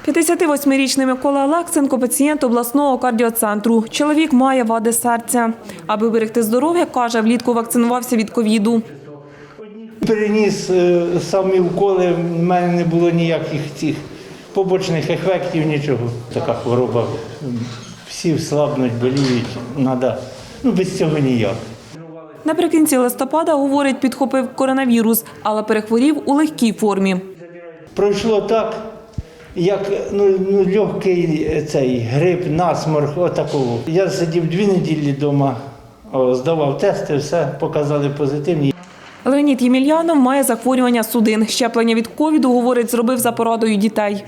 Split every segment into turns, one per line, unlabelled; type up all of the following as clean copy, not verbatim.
58-річний Микола Олексенко – пацієнт обласного кардіоцентру. Чоловік має вади серця. Аби берегти здоров'я, каже, влітку вакцинувався від ковіду.
Переніс самі уколи, в мене не було ніяких цих побочних ефектів, нічого. Така хвороба, всі слабнуть, боліють, треба, без цього ніяк.
Наприкінці листопада, говорить, підхопив коронавірус, але перехворів у легкій формі.
Пройшло так, як легкий цей грип, насморк, отакого. Я сидів 2 неділі вдома, здавав тести, все, показали позитивні.
Леонід Ємельянов має захворювання судин. Щеплення від ковіду, говорить, зробив за порадою дітей.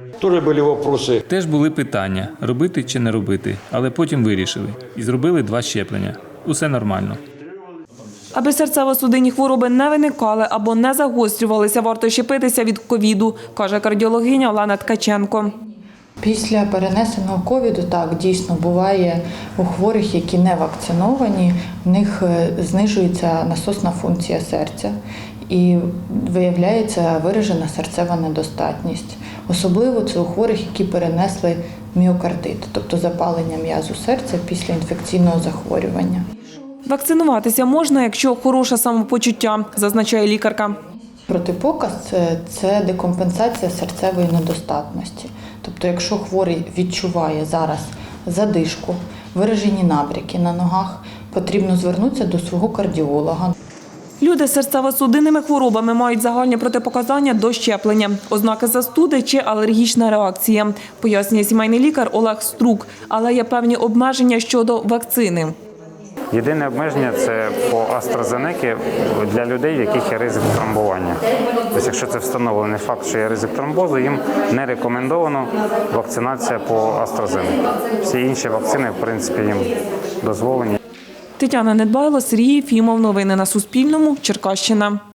Теж були питання – робити чи не робити, але потім вирішили. І зробили 2 щеплення. Усе нормально.
Аби серцево-судинні хвороби не виникали або не загострювалися, варто щепитися від ковіду, каже кардіологиня Олена Ткаченко.
Після перенесеного ковіду, так, дійсно, буває у хворих, які не вакциновані, в них знижується насосна функція серця і виявляється виражена серцева недостатність. Особливо це у хворих, які перенесли міокардит, тобто запалення м'язу серця після інфекційного захворювання.
Вакцинуватися можна, якщо хороше самопочуття, зазначає лікарка.
Протипоказ – це декомпенсація серцевої недостатності. Тобто, якщо хворий відчуває зараз задишку, виражені набряки на ногах, потрібно звернутися до свого кардіолога.
Люди з серцево-судинними хворобами мають загальні протипоказання до щеплення, ознаки застуди чи алергічна реакція, пояснює сімейний лікар Олег Струк, але є певні обмеження щодо вакцини.
Єдине обмеження – це по AstraZeneca для людей, в яких є ризик тромбування. Тобто, якщо це встановлений факт, що є ризик тромбозу, їм не рекомендовано вакцинація по AstraZeneca. Всі інші вакцини, в принципі, їм дозволені.
Тетяна Недбайло, Сергій Єфімов. Новини на Суспільному. Черкащина.